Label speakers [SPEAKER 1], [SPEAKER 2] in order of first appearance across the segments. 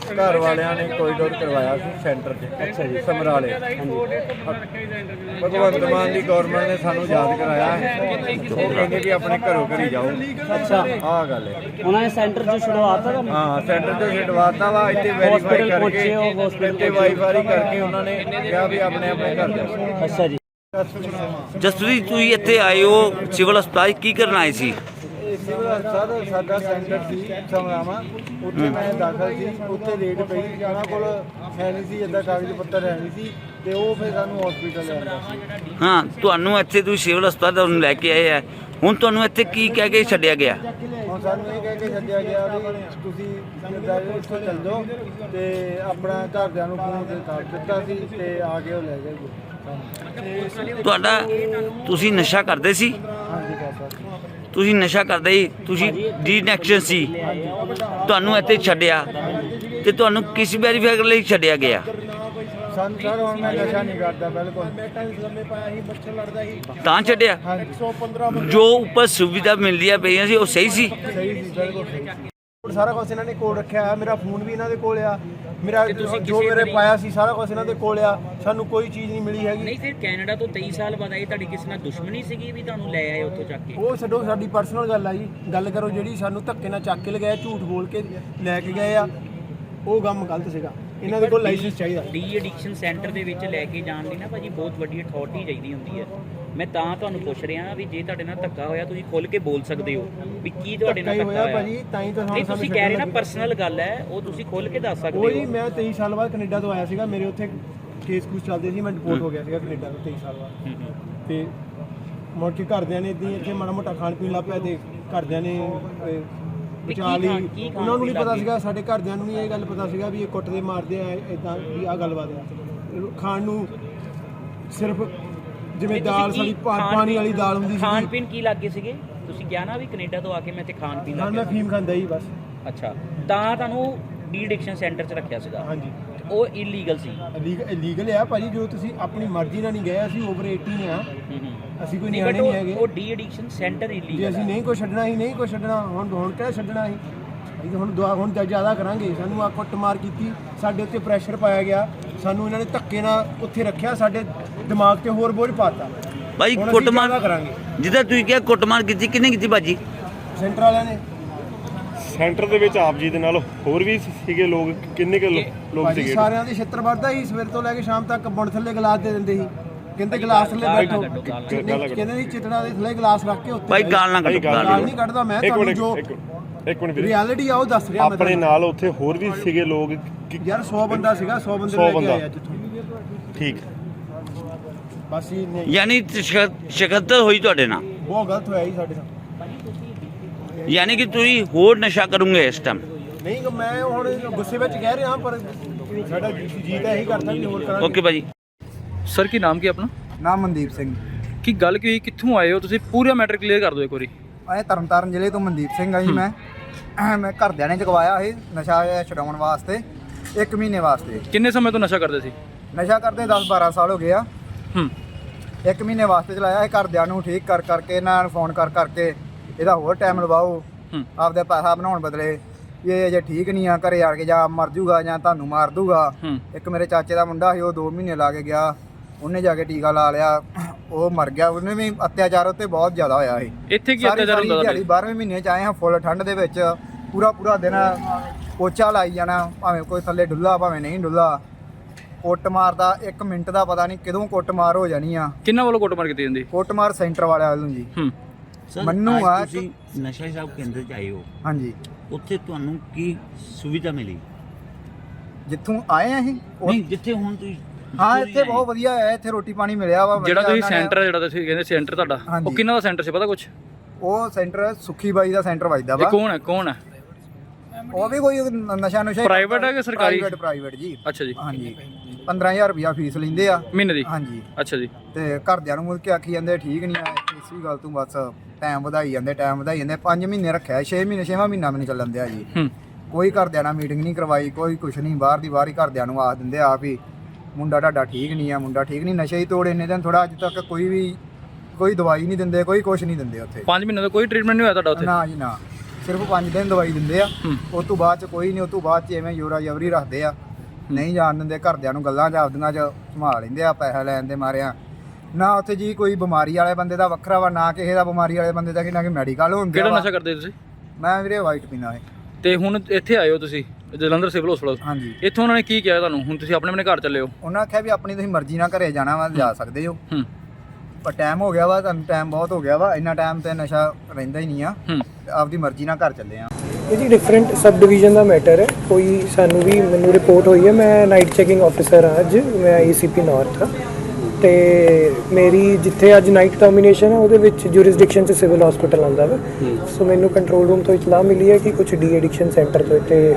[SPEAKER 1] घर वालियां ने कोरीडोर करवाया सी सेंटर 'च। अच्छा जी, समराले। भगवंत मान की गौरमेंट ने सानू याद कराया है, वो कहंदे भी अपने घरों घर ही जाओ।
[SPEAKER 2] अच्छा,
[SPEAKER 1] आ गल है।
[SPEAKER 2] उन्होंने सेंटर से छुड़वाता था।
[SPEAKER 1] हाँ, सेंटर 'ਚ छुड़वाता वा, इत्थे वेरीफाई करके इत्थे वाईफाई करके उन्होंने कहा भी अपने अपने घर जाओ।
[SPEAKER 2] अच्छा जी।
[SPEAKER 3] ਜਸਪ੍ਰੀਤ ਤੁਸੀਂ ਇੱਥੇ ਆਏ ਹੋ ਸਿਵਲ ਹਸਪਤਾਲ ਕੀ ਕਰਨ ਆਏ ਸੀ?
[SPEAKER 1] ਸਿਵਲ ਹਸਪਤਾਲ ਸਾਡਾ ਸੈਂਟਰ ਸੀ ਸਮਰਾਵਾਂ, ਉੱਥੇ ਮੈਂ ਦਾਖਲ ਸੀ। ਉੱਥੇ ਰੇਟ ਪਈ, ਉਹਨਾਂ ਕੋਲ ਹੈ ਨਹੀਂ ਸੀ ਇੱਦਾਂ ਕਾਗਜ਼ ਪੱਤਰ ਹੈ ਨਹੀਂ ਸੀ, ਤੇ ਉਹ ਫਿਰ ਸਾਨੂੰ ਹਸਪੀਟਲ ਲੈ ਆਉਂਦਾ ਸੀ।
[SPEAKER 3] ਹਾਂ, ਤੁਹਾਨੂੰ ਇੱਥੇ ਤੁਸੀਂ ਸਿਵਲ ਹਸਪਤਾਲ ਤੁਹਾਨੂੰ ਲੈ ਕੇ ਆਏ ਆ, ਹੁਣ ਤੁਹਾਨੂੰ ਇੱਥੇ ਕੀ ਕਹਿ ਕੇ ਛੱਡਿਆ ਗਿਆ?
[SPEAKER 1] ਹੁਣ ਸਾਨੂੰ ਇਹ ਕਹਿ ਕੇ ਛੱਡਿਆ ਗਿਆ ਵੀ ਤੁਸੀਂ ਇੱਥੋਂ ਚੱਲ ਜਾਓ, ਤੇ ਆਪਣਾ ਘਰਦਿਆਂ ਨੂੰ ਫੋਨ ਤੇ ਕਰ ਦਿੱਤਾ ਸੀ, ਤੇ ਆ ਕੇ ਉਹ ਲੈ ਗਏ ਜੀ।
[SPEAKER 3] ਤੁਹਾਡਾ ਤੁਸੀਂ ਨਸ਼ਾ ਕਰਦੇ ਸੀ?
[SPEAKER 1] ਹਾਂਜੀ ਕਰਦਾ ਸੀ।
[SPEAKER 3] ਤੁਸੀਂ ਨਸ਼ਾ ਕਰਦੇ ਸੀ, ਤੁਸੀਂ ਡੀਨੈਕਸ਼ਨ ਸੀ, ਤੁਹਾਨੂੰ ਇੱਥੇ ਛੱਡਿਆ ਤੇ ਤੁਹਾਨੂੰ ਕਿਸ ਵੈਰੀਫਾਈ ਲਈ ਛੱਡਿਆ ਗਿਆ?
[SPEAKER 1] ਸਾਨੂੰ ਸਰ ਹੁਣ ਮੈਂ ਨਸ਼ਾ ਨਹੀਂ ਕਰਦਾ ਬਿਲਕੁਲ।
[SPEAKER 3] ਤਾਂ ਛੱਡਿਆ?
[SPEAKER 1] ਹਾਂਜੀ,
[SPEAKER 3] ਜੋ ਉੱਪਰ ਸੁਵਿਧਾ ਮਿਲਦੀਆਂ ਪਈਆਂ ਸੀ ਉਹ ਸਹੀ ਸੀ?
[SPEAKER 1] ਸਹੀ ਸੀ, ਬਿਲਕੁਲ ਸਹੀ ਸੀ। ਸਾਰਾ ਕੁਝ ਇਹਨਾਂ ਨੇ ਕੋਲ ਰੱਖਿਆ ਹੈ, ਮੇਰਾ ਫੋਨ ਵੀ ਇਹਨਾਂ ਦੇ ਕੋਲ ਆ, ਮੇਰਾ ਜੋ ਮੇਰੇ ਪਾਇਆ ਸੀ ਸਾਰਾ ਕੁਝ ਇਹਨਾਂ ਦੇ ਕੋਲ ਆ, ਸਾਨੂੰ ਕੋਈ ਚੀਜ਼ ਨਹੀਂ ਮਿਲੀ ਹੈਗੀ।
[SPEAKER 4] ਨਹੀਂ ਫਿਰ ਕੈਨੇਡਾ ਤੋਂ 23 ਸਾਲ ਬਾਅਦ ਆਏ, ਤੁਹਾਡੀ ਕਿਸੇ ਨਾਲ ਦੁਸ਼ਮਣੀ ਸੀਗੀ ਵੀ ਤੁਹਾਨੂੰ ਲੈ ਆਏ ਉੱਥੋਂ ਚੱਕ ਕੇ?
[SPEAKER 1] ਉਹ ਛੱਡੋ, ਸਾਡੀ ਪਰਸਨਲ ਗੱਲ ਆ ਜੀ। ਗੱਲ ਕਰੋ ਜਿਹੜੀ ਸਾਨੂੰ ਧੱਕੇ ਨਾਲ ਚੱਕ ਕੇ ਲਗਾਇਆ, ਝੂਠ ਬੋਲ ਕੇ ਲੈ ਕੇ ਗਏ ਆ, ਉਹ ਕੰਮ ਗਲਤ ਸੀਗਾ। ਇਹਨਾਂ ਦੇ ਕੋਲ ਲਾਇਸੈਂਸ ਚਾਹੀਦਾ।
[SPEAKER 4] ਡੀ ਐਡਿਕਸ਼ਨ ਸੈਂਟਰ ਦੇ ਵਿੱਚ ਲੈ ਕੇ ਜਾਣ ਲਈ ਨਾ ਭਾਜੀ ਬਹੁਤ ਵੱਡੀ ਅਥਾਰਟੀ ਚਾਹੀਦੀ ਹੁੰਦੀ ਹੈ। ਮੈਂ ਤਾਂ ਤੁਹਾਨੂੰ ਪੁੱਛ ਰਿਹਾ ਵੀ ਜੇ ਤੁਹਾਡੇ ਨਾਲ ਧੱਕਾ ਹੋਇਆ ਤੁਸੀਂ ਖੁੱਲ ਕੇ ਬੋਲ ਸਕਦੇ ਹੋ ਵੀ ਕੀ ਤੁਹਾਡੇ ਨਾਲ ਧੱਕਾ ਹੋਇਆ
[SPEAKER 1] ਭਾਜੀ, ਤਾਂ ਹੀ ਤਾਂ
[SPEAKER 4] ਨਹੀਂ ਤੁਸੀਂ ਕਹਿ ਰਹੇ ਨਾ ਪਰਸਨਲ ਗੱਲ ਹੈ, ਉਹ ਤੁਸੀਂ ਖੁੱਲ ਕੇ ਦੱਸ ਸਕਦੇ
[SPEAKER 1] ਉਹ ਜੀ
[SPEAKER 4] ਹੋ।
[SPEAKER 1] ਮੈਂ 23 ਸਾਲ ਬਾਅਦ ਕੈਨੇਡਾ ਤੋਂ ਆਇਆ ਸੀਗਾ, ਮੇਰੇ ਉੱਥੇ ਕੇਸ ਕੁਛ ਚੱਲਦੇ ਸੀ, ਮੈਂ ਡਿਪੋਰਟ ਹੋ ਗਿਆ ਸੀਗਾ ਕੈਨੇਡਾ ਤੋਂ 23 ਸਾਲ ਬਾਅਦ। ਤੇ ਮੁੜ ਕੇ ਘਰਦਿਆਂ ਨੇ ਇੱਦਾਂ ਇੱਥੇ ਮਾੜਾ ਮੋਟਾ ਖਾਣ ਪੀਣ ਲੱਗ ਪਿਆ, ਤੇ ਘਰਦਿਆਂ ਨੇ ਬਚਾ ਲਈ। ਉਹਨਾਂ ਨੂੰ ਨਹੀਂ ਪਤਾ ਸੀਗਾ, ਸਾਡੇ ਘਰਦਿਆਂ ਨੂੰ ਨਹੀਂ ਇਹ ਗੱਲ ਪਤਾ ਸੀਗਾ ਵੀ ਇਹ ਕੁੱਟਦੇ ਮਾਰਦੇ ਆ, ਇਦਾਂ ਵੀ ਆਹ ਗੱਲਬਾਤ ਆ। ਖਾਣ ਨੂੰ ਸਿਰਫ ਜਿਵੇਂ ਦਾਲ ਸਾਡੀ ਪਾਣੀ ਵਾਲੀ ਦਾਲ ਹੁੰਦੀ ਸੀ।
[SPEAKER 4] ਖਾਣ ਪੀਣ ਕੀ ਲੱਗੇ ਸੀਗੇ? ਤੁਸੀਂ ਕਿਹਾ ਨਾ ਵੀ ਕੈਨੇਡਾ ਤੋਂ ਆ ਕੇ ਮੈਂ ਤੇ ਖਾਣ ਪੀਣ ਲੱਗ
[SPEAKER 1] ਮੈਂ
[SPEAKER 4] ਗਿਆ।
[SPEAKER 1] ਫੀਮ ਖਾਂਦਾ ਹੀ ਬਸ।
[SPEAKER 4] ਅੱਛਾ, ਤਾਂ ਤੁਹਾਨੂੰ ਡੀ ਐਡਿਕਸ਼ਨ ਸੈਂਟਰ 'ਚ ਰੱਖਿਆ ਸੀਗਾ?
[SPEAKER 1] ਹਾਂਜੀ।
[SPEAKER 4] ਉਹ ਇਲੀਗਲ ਸੀ?
[SPEAKER 1] ਲੀਗਲ ਆ ਭਾਜੀ, ਜੋ ਤੁਸੀਂ ਆਪਣੀ ਮਰਜ਼ੀ ਨਾਲ ਨਹੀਂ ਗਏ, ਅਸੀਂ ਓਵਰ 18 ਆ, ਅਸੀਂ ਕੋਈ ਨਿਆਣੇ ਨਹੀਂ ਹੈਗੇ।
[SPEAKER 4] ਉਹ ਡੀ ਐਡਿਕਸ਼ਨ ਸੈਂਟਰ ਇਲੀਗਲ
[SPEAKER 1] ਜੇ ਅਸੀਂ ਨਹੀਂ ਕੋਈ ਛੱਡਣਾ ਹੀ ਨਹੀਂ ਕੋਈ ਛੱਡਣਾ, ਹੁਣ ਕਿਹੜਾ ਛੱਡਣਾ ਸੀ? ਅਸੀਂ ਹੁਣ ਜ਼ਿਆਦਾ ਕਰਾਂਗੇ। ਸਾਨੂੰ ਆ ਕੁੱਟਮਾਰ ਕੀਤੀ, ਸਾਡੇ ਉੱਤੇ ਪ੍ਰੈਸ਼ਰ ਪਾਇਆ ਗਿਆ, ਸਾਨੂੰ ਇਹਨਾਂ ਨੇ ਧੱਕੇ ਨਾਲ ਉੱਥੇ ਰੱਖਿਆ, ਸਾਡੇ ਦਿਮਾਗ ਤੇ ਹੋਰ ਬੋਝ ਪਾਤਾ।
[SPEAKER 3] ਭਾਈ ਕੁੱਟਮਾਰ
[SPEAKER 1] ਕਰਾਂਗੇ
[SPEAKER 3] ਜਿੱਦਾਂ ਤੁਸੀਂ ਕਿਹਾ ਕੁੱਟਮਾਰ ਕੀਤੀ, ਕਿਹਨੇ ਕੀਤੀ ਭਾਜੀ?
[SPEAKER 1] ਸੈਂਟਰ ਵਾਲਿਆਂ ਨੇ।
[SPEAKER 5] ਸੈਂਟਰ ਦੇ ਵਿੱਚ ਆਪ ਜੀ ਦੇ ਨਾਲ ਹੋਰ ਵੀ ਸੀਗੇ ਲੋਕ? ਕਿੰਨੇ ਕੁ ਲੋਕ ਸੀਗੇ?
[SPEAKER 1] ਸਾਰਿਆਂ ਦੇ ਛਿੱਤਰ ਵੱਧਦਾ ਸੀ, ਸਵੇਰ ਤੋਂ ਲੈ ਕੇ ਸ਼ਾਮ ਤੱਕ ਬੁਣ ਥੱਲੇ ਗਲਾਸ ਦੇ ਦਿੰਦੇ ਸੀ, ਕਹਿੰਦੇ ਗਲਾਸ ਥੱਲੇ ਬੈਠੋ, ਕਹਿੰਦੇ ਸੀ ਚਿਤੜਾ ਦੇ ਥੱਲੇ ਗਲਾਸ ਰੱਖ ਕੇ ਉੱਤੇ।
[SPEAKER 3] ਭਾਈ ਗਾਲ ਨਾ ਕੱਢੋ।
[SPEAKER 1] ਗਾਲ ਨਹੀਂ ਕੱਢਦਾ ਮੈਂ, ਤੁਹਾਨੂੰ ਜੋ
[SPEAKER 5] ਇੱਕ ਮਿੰਟ ਵੀਰੇ,
[SPEAKER 1] ਰਿਐਲਿਟੀ ਆ ਉਹ ਦੱਸ ਰਿਹਾ ਮੈਂ।
[SPEAKER 5] ਆਪਣੇ ਨਾਲ ਉੱਥੇ ਹੋਰ ਵੀ ਸੀਗੇ ਲੋਕ?
[SPEAKER 1] ਯਾਰ 100 ਬੰਦਾ ਸੀਗਾ, 100 ਬੰਦੇ ਲੈ ਕੇ ਆਏ ਜਿੱਥੋਂ।
[SPEAKER 5] ਠੀਕ,
[SPEAKER 1] ਬਸ ਇਹ ਨਹੀਂ,
[SPEAKER 3] ਯਾਨੀ ਸ਼ਿਕਤ ਹੋਈ ਤੁਹਾਡੇ ਨਾਲ?
[SPEAKER 1] ਬਹੁਤ ਗਲਤ ਹੋਇਆ ਜੀ ਸਾਡੇ ਨਾਲ।
[SPEAKER 3] ਯਾਨੀ ਕਿ ਤੁਸੀਂ ਹੋਰ ਨਸ਼ਾ ਕਰੋਗੇ ਇਸ ਟਾਈਮ?
[SPEAKER 1] ਨਹੀਂ, ਮੈਂ ਹੁਣ ਗੁੱਸੇ ਵਿੱਚ ਕਹਿ ਰਿਹਾ, ਪਰ ਸਾਡਾ ਜੀ ਤਾਂ ਇਹੀ ਕਰਦਾ ਵੀ ਹੋਰ ਕਰਾਂਗੇ।
[SPEAKER 3] ਓਕੇ ਭਾਜੀ।
[SPEAKER 6] ਸਰ ਕੀ ਨਾਮ ਕੀ ਆਪਣਾ?
[SPEAKER 1] ਨਾਮ ਮਨਦੀਪ ਸਿੰਘ।
[SPEAKER 6] ਕੀ ਗੱਲ ਕੀ ਹੋਈ, ਕਿੱਥੋਂ ਆਏ ਹੋ ਤੁਸੀਂ? ਪੂਰਾ ਮੈਟਰ ਕਲੀਅਰ ਕਰ ਦਿਓ ਇੱਕ ਵਾਰੀ।
[SPEAKER 1] ਮੈਂ ਤਰਨਤਾਰਨ ਜ਼ਿਲ੍ਹੇ ਤੋਂ ਮਨਦੀਪ ਸਿੰਘ ਆ ਜੀ। ਮੈਂ ਘਰਦਿਆਂ ਨੇ ਚੁਕਵਾਇਆ ਸੀ ਨਸ਼ਾ ਛਡਾਉਣ ਵਾਸਤੇ, 1 ਮਹੀਨੇ ਵਾਸਤੇ।
[SPEAKER 6] ਕਿੰਨੇ ਸਮੇਂ ਤੋਂ ਨਸ਼ਾ ਕਰਦੇ ਸੀ?
[SPEAKER 1] ਨਸ਼ਾ ਕਰਦੇ 10-12 ਸਾਲ ਹੋ ਗਏ ਆ।
[SPEAKER 6] ਹੂੰ।
[SPEAKER 1] 1 ਮਹੀਨੇ ਵਾਸਤੇ ਚਲਾਇਆ ਇਹ। ਘਰਦਿਆਂ ਨੂੰ ਠੀਕ ਕਰਕੇ ਇਹਨਾਂ ਨੂੰ ਫੋਨ ਕਰਕੇ ਇਹਦਾ ਹੋਰ ਟਾਈਮ ਲਵਾਓ, ਆਪਦਾ ਪੈਸਾ ਬਣਾਉਣ ਬਦਲੇ। ਇਹ ਜੇ ਠੀਕ ਨਹੀਂ ਆ, ਘਰੇ ਆ ਕੇ ਜਾਂ ਮਰ ਜੂਗਾ ਜਾਂ ਤੁਹਾਨੂੰ ਮਾਰ ਦੂਗਾ। ਇੱਕ ਮੇਰੇ ਚਾਚੇ ਦਾ ਮੁੰਡਾ ਸੀ, ਉਹ 2 ਮਹੀਨੇ ਲਾ ਕੇ ਗਿਆ, ਉਹਨੇ ਜਾ ਕੇ ਟੀਕਾ ਲਾ ਲਿਆ, ਉਹ ਮਰ ਗਿਆ। ਉਹਨੇ ਵੀ ਅਤਿਆਚਾਰ ਉੱਤੇ ਬਹੁਤ ਜ਼ਿਆਦਾ ਹੋਇਆ ਸੀ।
[SPEAKER 6] ਇੱਥੇ ਕੀ ਅਤਿਆਚਾਰ ਹੁੰਦਾ?
[SPEAKER 1] 12ਵੇਂ ਮਹੀਨੇ 'ਚ ਆਏ ਹਾਂ, ਫੁੱਲ ਠੰਡ ਦੇ ਵਿੱਚ, ਪੂਰਾ ਦਿਨ ਪੋਚਾ ਲਾਈ ਜਾਣਾ, ਭਾਵੇਂ ਕੋਈ ਥੱਲੇ ਡੁੱਲਾ ਭਾਵੇਂ ਨਹੀਂ ਡੁੱਲਾ। ਕੁੱਟਮਾਰ ਦਾ 1 ਮਿੰਟ ਦਾ ਪਤਾ ਨਹੀਂ ਕਦੋਂ ਕੁੱਟਮਾਰ ਹੋ ਜਾਣੀ ਆ।
[SPEAKER 6] ਕਿੰਨਾ ਵੱਲੋਂ ਕੁੱਟਮਾਰ ਕੀਤੀ ਜਾਂਦੀ?
[SPEAKER 1] ਕੁੱਟਮਾਰ ਸੈਂਟਰ ਵਾਲਿਆਂ ਵੱਲੋਂ ਜੀ।
[SPEAKER 3] ਮੰਨੂ ਆ ਤੁਸੀਂ ਨਸ਼ਾ ਹਿਸਾਬ ਕੇਂਦਰ 'ਚ ਆਏ ਹੋ?
[SPEAKER 1] ਹਾਂਜੀ।
[SPEAKER 3] ਉੱਥੇ ਤੁਹਾਨੂੰ ਕੀ ਸੁਵਿਧਾ ਮਿਲੀ?
[SPEAKER 1] ਜਿੱਥੋਂ ਆਏ ਆ ਅਸੀਂ
[SPEAKER 3] ਨਹੀਂ, ਜਿੱਥੇ ਹੁਣ ਤੁਸੀਂ?
[SPEAKER 1] ਹਾਂ, ਇੱਥੇ ਬਹੁਤ ਵਧੀਆ ਹੈ, ਇੱਥੇ ਰੋਟੀ ਪਾਣੀ ਮਿਲਿਆ ਵਾ।
[SPEAKER 6] ਜਿਹੜਾ ਤੁਸੀਂ ਸੈਂਟਰ ਜਿਹੜਾ ਤੁਸੀਂ ਕਹਿੰਦੇ ਸੈਂਟਰ ਤੁਹਾਡਾ, ਉਹ ਕਿੰਨਾ ਦਾ ਸੈਂਟਰ ਸੀ ਪਤਾ ਕੁਛ?
[SPEAKER 1] ਉਹ ਸੈਂਟਰ ਸੁੱਖੀ ਬਾਈ ਦਾ ਸੈਂਟਰ ਵੱਜਦਾ ਵਾ।
[SPEAKER 6] ਕੌਣ ਹੈ?
[SPEAKER 1] ਉਹ ਵੀ ਕੋਈ ਨਸ਼ਾ
[SPEAKER 6] ਪ੍ਰਾਈਵੇਟ ਹੈ ਕਿ ਸਰਕਾਰੀ?
[SPEAKER 1] ਪ੍ਰਾਈਵੇਟ ਜੀ।
[SPEAKER 6] ਅੱਛਾ ਜੀ।
[SPEAKER 1] ਹਾਂਜੀ, 15000 ਰੁਪਇਆ ਫੀਸ ਲੈਂਦੇ ਆ
[SPEAKER 6] ਮਹੀਨੇ ਦੀ?
[SPEAKER 1] ਹਾਂਜੀ।
[SPEAKER 6] ਅੱਛਾ ਜੀ।
[SPEAKER 1] ਤੇ ਘਰਦਿਆਂ ਨੂੰ ਮੁੜ ਕੇ ਆਖੀ ਜਾਂਦੇ ਠੀਕ ਨਹੀਂ ਆ, ਇਸ ਵੀ ਗੱਲ ਤੋਂ ਬਸ ਟਾਈਮ ਵਧਾਈ ਜਾਂਦੇ 5 ਮਹੀਨੇ ਰੱਖਿਆ, 6 ਮਹੀਨੇ 6ਵਾਂ ਮਹੀਨਾ ਵੀ ਨਹੀਂ ਚੱਲਣ ਦਿਆ ਜੀ। ਕੋਈ ਘਰਦਿਆਂ ਨਾਲ ਮੀਟਿੰਗ ਨਹੀਂ ਕਰਵਾਈ, ਕੋਈ ਕੁਛ ਨਹੀਂ, ਬਾਹਰ ਦੀ ਬਾਹਰ ਹੀ ਘਰਦਿਆਂ ਨੂੰ ਆਖ ਦਿੰਦੇ ਆਪ ਹੀ ਮੁੰਡਾ ਤੁਹਾਡਾ ਠੀਕ ਨਹੀਂ ਆ, ਮੁੰਡਾ ਠੀਕ ਨਹੀਂ, ਨਸ਼ੇ ਹੀ ਤੋੜ ਇੰਨੇ ਦਿਨ। ਥੋੜਾ ਅੱਜ ਤੱਕ ਕੋਈ ਦਵਾਈ ਨਹੀਂ ਦਿੰਦੇ, ਕੋਈ ਕੁਛ ਨਹੀਂ ਦਿੰਦੇ ਉੱਥੇ।
[SPEAKER 6] 5 ਮਹੀਨੇ ਦਾ ਕੋਈ ਟ੍ਰੀਟਮੈਂਟ ਨਹੀਂ ਹੋਇਆ ਤੁਹਾਡਾ ਉੱਥੇ?
[SPEAKER 1] ਨਾ ਜੀ ਨਾ।
[SPEAKER 7] ਸਿਰਫ 5 ਦਿਨ ਦਵਾਈ ਦਿੰਦੇ ਆ। ਉਸ ਤੋਂ ਬਾਅਦ ਚ ਕੋਈ ਨਹੀਂ, ਉਸ ਤੋਂ ਬਾਅਦ ਚ ਐਵੇਂ ਜੋਰਾ ਜਬਰੀ ਰੱਖਦੇ ਆ, ਨਹੀਂ ਜਾਣ ਦਿੰਦੇ, ਘਰਦਿਆਂ ਨੂੰ ਗੱਲਾਂ ਆਪਦੀਆਂ ਚ ਸੰਭਾਲ ਲੈਂਦੇ ਆ ਪੈਸਾ ਲੈਣ ਦੇ ਮਾਰਿਆ। ਨਾ ਉੱਥੇ ਜੀ ਕੋਈ ਬਿਮਾਰੀ ਵਾਲੇ ਬੰਦੇ ਦਾ ਵੱਖਰਾ ਵਾ, ਨਾ ਕਿਸੇ ਦਾ ਬਿਮਾਰੀ ਵਾਲੇ ਬੰਦੇ ਦਾ, ਕਿ ਨਾ ਕਿ ਮੈਡੀਕਲ ਹੁੰਦੇ
[SPEAKER 6] ਕਿਹੜਾ ਨਸ਼ਾ ਕਰਦੇ ਤੁਸੀਂ?
[SPEAKER 7] ਮੈਂ ਵੀਰੇ ਵਾਈਟ ਪੀਣਾ ਹੈ।
[SPEAKER 6] ਤੇ ਹੁਣ ਇੱਥੇ ਆਏ ਹੋ ਤੁਸੀਂ ਜਲੰਧਰ ਸਿਵਲ ਹਸਪਤਾਲ,
[SPEAKER 7] ਹਾਂਜੀ।
[SPEAKER 6] ਇੱਥੋਂ ਉਹਨਾਂ ਨੇ ਕੀ ਕਿਹਾ ਤੁਹਾਨੂੰ? ਹੁਣ ਤੁਸੀਂ ਆਪਣੇ ਘਰ ਚੱਲੇ ਹੋ?
[SPEAKER 7] ਉਹਨਾਂ ਆਖਿਆ ਵੀ ਆਪਣੀ ਤੁਸੀਂ ਮਰਜ਼ੀ ਨਾਲ ਘਰੇ ਜਾਣਾ ਵਾ ਜਾ ਸਕਦੇ ਹੋ, ਪਰ ਟਾਈਮ ਹੋ ਗਿਆ ਵਾ, ਤੁਹਾਨੂੰ ਟਾਈਮ ਬਹੁਤ ਹੋ ਗਿਆ ਵਾ, ਇੰਨਾ ਟਾਈਮ ਤੇ ਨਸ਼ਾ ਰਹਿੰਦਾ ਹੀ ਨਹੀਂ ਆ, ਆਪਦੀ ਮਰਜ਼ੀ ਨਾਲ ਘਰ ਚੱਲੇ ਆ।
[SPEAKER 1] ਇਹ ਜੀ ਡਿਫਰੈਂਟ ਸਬ ਡਿਵੀਜ਼ਨ ਦਾ ਮੈਟਰ ਹੈ। ਕੋਈ ਸਾਨੂੰ ਵੀ ਮੈਨੂੰ ਰਿਪੋਰਟ ਹੋਈ ਹੈ, ਮੈਂ ਨਾਈਟ ਚੈਕਿੰਗ ਆਫਿਸਰ ਹਾਂ ਅੱਜ, ਮੈਂ ACP ਨਾਰਥ ਹਾਂ, ਤੇ ਮੇਰੀ ਜਿੱਥੇ ਅੱਜ ਨਾਈਟ ਟਰਮੀਨੇਸ਼ਨ ਹੈ ਉਹਦੇ ਵਿੱਚ ਜੁਰਿਸਡਿਕਸ਼ਨ 'ਚ ਸਿਵਲ ਹਸਪੀਟਲ ਆਉਂਦਾ ਵਾ। ਸੋ ਮੈਨੂੰ ਕੰਟਰੋਲ ਰੂਮ ਤੋਂ ਇਤਲਾਹ ਮਿਲੀ ਹੈ ਕਿ ਕੁਝ ਡੀ ਐਡਿਕਸ਼ਨ ਸੈਂਟਰ ਤੋਂ ਇੱਥੇ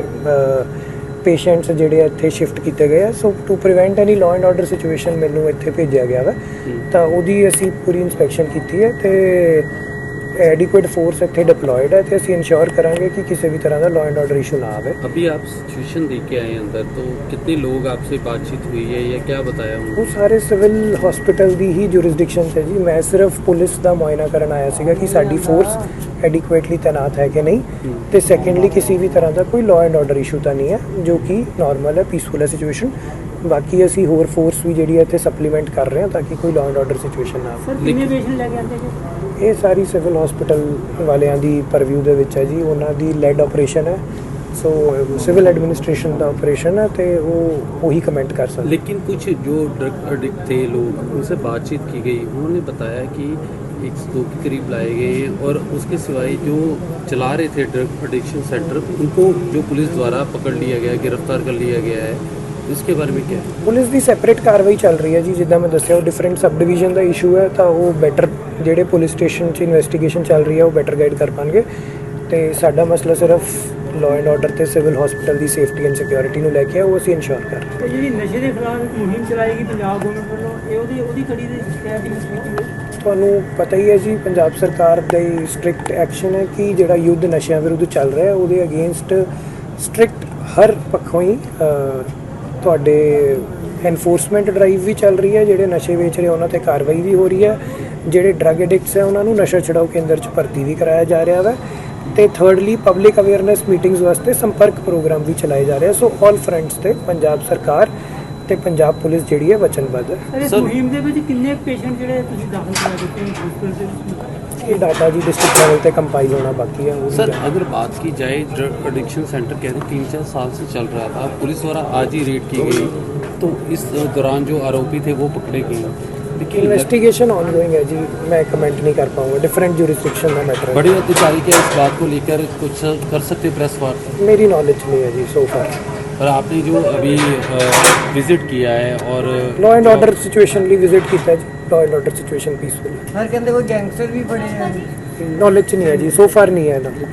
[SPEAKER 1] ਪੇਸ਼ੈਂਟਸ ਜਿਹੜੇ ਇੱਥੇ ਸ਼ਿਫਟ ਕੀਤੇ ਗਏ ਆ। So to prevent any law and order situation ਮੈਨੂੰ ਇੱਥੇ ਭੇਜਿਆ ਗਿਆ ਵਾ, ਤਾਂ ਉਹਦੀ ਅਸੀਂ ਪੂਰੀ ਇਨਸਪੈਕਸ਼ਨ ਕੀਤੀ ਹੈ ਤੇ एडिक्वेट फोर्स ਇੱਥੇ ਡਿਪਲੋਇਡ ਹੈ ਤੇ ਅਸੀਂ ਇੰਸ਼ੋਰ ਕਰਾਂਗੇ कि किसी भी तरह का लॉ एंड ऑर्डर इशू ना आवे।
[SPEAKER 8] अभी आप सिचुएशन देख के आए अंदर, तो कितने लोग आपसे बातचीत हुई है या क्या बताया उन्होंने?
[SPEAKER 1] वो सारे सिविल हॉस्पिटल ਦੀ ਹੀ ਜੁਰਿਸਡਿਕਸ਼ਨ ਹੈ ਜੀ। ਮੈਂ ਸਿਰਫ ਪੁਲਿਸ ਦਾ ਮੁਆਇਨਾ ਕਰਨ ਆਇਆ ਸੀਗਾ ਕਿ ਸਾਡੀ ਫੋਰਸ ਐਡਿਕੁਏਟਲੀ ਤੈਨਾਤ ਹੈ ਕਿ ਨਹੀਂ, ਤੇ ਸੈਕੰਡਲੀ ਕਿਸੇ ਵੀ ਤਰ੍ਹਾਂ ਦਾ ਕੋਈ ਲਾਅ ਐਂਡ ਆਰਡਰ ਇਸ਼ੂ ਤਾਂ ਨਹੀਂ ਹੈ, ਜੋ ਕਿ ਨਾਰਮਲ ਹੈ, ਪੀਸਫੁਲ ਹੈ ਸਿਚੁਏਸ਼ਨ। ਬਾਕੀ ਅਸੀਂ ਹੋਰ ਫੋਰਸ ਵੀ ਜਿਹੜੀ ਹੈ ਇੱਥੇ ਸਪਲੀਮੈਂਟ ਕਰ ਰਹੇ ਹਾਂ ਤਾਂ ਕਿ ਕੋਈ ਲਾਅ ਐਂਡ ਆਰਡਰ ਸਿਚੁਏਸ਼ਨ ਨਾ ਆਵੇ।
[SPEAKER 2] ਸਰ ਕਿੰਨੇ ਪੇਸ਼ੈਂਟ ਲੈ ਕੇ ਆਉਂਦੇ ਜੀ?
[SPEAKER 1] ਇਹ ਸਾਰੀ ਸਿਵਲ ਹਸਪੀਟਲ ਵਾਲਿਆਂ ਦੀ ਪਰਵਿਊ ਦੇ ਵਿੱਚ ਹੈ ਜੀ, ਉਹਨਾਂ ਦੀ ਲੈਡ ਆਪਰੇਸ਼ਨ ਹੈ। सो सिविल एडमिनिस्ट्रेशन का ऑपरेशन है तो वो वही कमेंट कर सकते।
[SPEAKER 8] लेकिन कुछ जो ड्रग एडिक्ट थे लोग, उनसे बातचीत की गई, उन्होंने बताया कि 102 के करीब लाए गए हैं और उसके सिवाय जो चला रहे थे ड्रग एडिक्शन सेंटर, उनको जो पुलिस द्वारा पकड़ लिया गया, गिरफ्तार कर लिया गया है, इसके बारे में क्या है?
[SPEAKER 1] पुलिस की सैपरेट कार्रवाई चल रही है जी, जिदा मैं दस्या डिफरेंट सब डिवीजन का इशू है, तो वो बैटर ਜਿਹੜੇ पुलिस स्टेशन इन्वेस्टिगेशन चल रही है वो बैटर गाइड कर पाएंगे। तो साडा मसला सिर्फ लॉ एंड ऑर्डर ਤੇ ਸਿਵਲ ਹਸਪੀਟਲ ਦੀ ਸੇਫਟੀ ਐਂਡ ਸਿਕਿਉਰਿਟੀ ਨੂੰ ਲੈ ਕੇ ਉਹ ਅਸੀਂ ਇਨਸ਼ੋਰ ਕਰ ਰਹੇ ਹਾਂ।
[SPEAKER 2] ਜਿਹੜੀ ਨਸ਼ੇ ਦੇ ਖਿਲਾਫ ਮੁਹਿੰਮ ਚਲਾਏਗੀ ਪੰਜਾਬ ਗਵਰਨਮੈਂਟ ਵੱਲੋਂ, ਇਹ ਉਹਦੀ ਕੜੀ ਦੇ ਸ਼ਿਕਾਇਤ ਦੀ ਸਥਿਤੀ
[SPEAKER 1] ਤੁਹਾਨੂੰ ਪਤਾ ਹੀ ਹੈ ਜੀ, ਪੰਜਾਬ ਸਰਕਾਰ ਦਾ ਸਟ੍ਰਿਕਟ ਐਕਸ਼ਨ ਹੈ ਕਿ ਜਿਹੜਾ ਯੁੱਧ ਨਸ਼ਿਆਂ ਵਿਰੁੱਧ ਚੱਲ ਰਿਹਾ ਉਹਦੇ ਅਗੇਂਸਟ ਸਟ੍ਰਿਕਟ ਹਰ ਪੱਖੋਂ ਹੀ ਤੁਹਾਡੇ ਐਨਫੋਰਸਮੈਂਟ ਡਰਾਈਵ ਵੀ ਚੱਲ ਰਹੀ ਹੈ, ਜਿਹੜੇ ਨਸ਼ੇ ਵੇਚ ਰਹੇ ਉਹਨਾਂ ਤੇ ਕਾਰਵਾਈ ਵੀ ਹੋ ਰਹੀ ਹੈ, ਜਿਹੜੇ ਡਰੱਗ ਐਡਿਕਟਸ ਹੈ ਉਹਨਾਂ ਨੂੰ ਨਸ਼ਾ ਛੁਡਾਊ ਕੇਂਦਰ 'ਚ ਭਰਤੀ ਵੀ ਕਰਾਇਆ ਜਾ ਰਿਹਾ ਵਾ, ਤੇ ਥਰਡਲੀ ਪਬਲਿਕ ਅਵੇਅਰਨੈਸ ਮੀਟਿੰਗਸ ਵਾਸਤੇ ਸੰਪਰਕ ਪ੍ਰੋਗਰਾਮ ਵੀ ਚਲਾਏ ਜਾ ਰਹੇ ਆ। ਸੋ ਆਲ ਫਰੰਟਸ ਤੇ ਪੰਜਾਬ ਸਰਕਾਰ ਤੇ ਪੰਜਾਬ ਪੁਲਿਸ ਜਿਹੜੀ ਹੈ ਵਚਨਬੱਧ ਹੈ।
[SPEAKER 2] ਇਸ ਮੁਹਿੰਮ ਦੇ ਵਿੱਚ ਕਿੰਨੇ ਪੇਸ਼ੈਂਟ ਜਿਹੜੇ ਤੁਸੀਂ ਦਾਖਲ ਕਰਾ ਦਿੱਤੇ ਨੇ ਹਸਪਤਾਲ ਦੇ ਵਿੱਚ?
[SPEAKER 1] ਇਹ ਡਾਟਾ ਜੀ डिस्ट्रिक्ट लेवल पे कंपाइल होना बाकी है।
[SPEAKER 8] सर अगर बात की जाए ड्रग एडिक्शन सेंटर कह रहे 3-4 साल से चल रहा था, पुलिस द्वारा आज ही रेड की गई, तो इस दौरान जो आरोपी थे वो पकड़े गए, लेकिन
[SPEAKER 1] इन्वेस्टिगेशन ऑनगोइंग है जी, मैं कमेंट नहीं कर पाऊंगा, डिफरेंट ज्यूरिसडिक्शन का मैटर है।
[SPEAKER 8] बड़े अधिकारी क्या इस बात को लेकर कुछ कर सकते प्रेस वार्ता?
[SPEAKER 1] मेरी नॉलेज नहीं है जी सो फार।
[SPEAKER 8] और आपने जो अभी विजिट किया है और
[SPEAKER 1] लॉ एंड ऑर्डर सिचुएशन ਲਈ विजिट ਕੀਤਾ ਜੀ, law and order situation peaceful है।
[SPEAKER 7] ਸਰ ਕਹਿੰਦੇ ਕੋਈ ਗੈਂਗਸਟਰ ਵੀ ਫੜੇ ਆ?
[SPEAKER 1] नॉलेज नहीं है जी, सो फार नहीं है नॉलेज।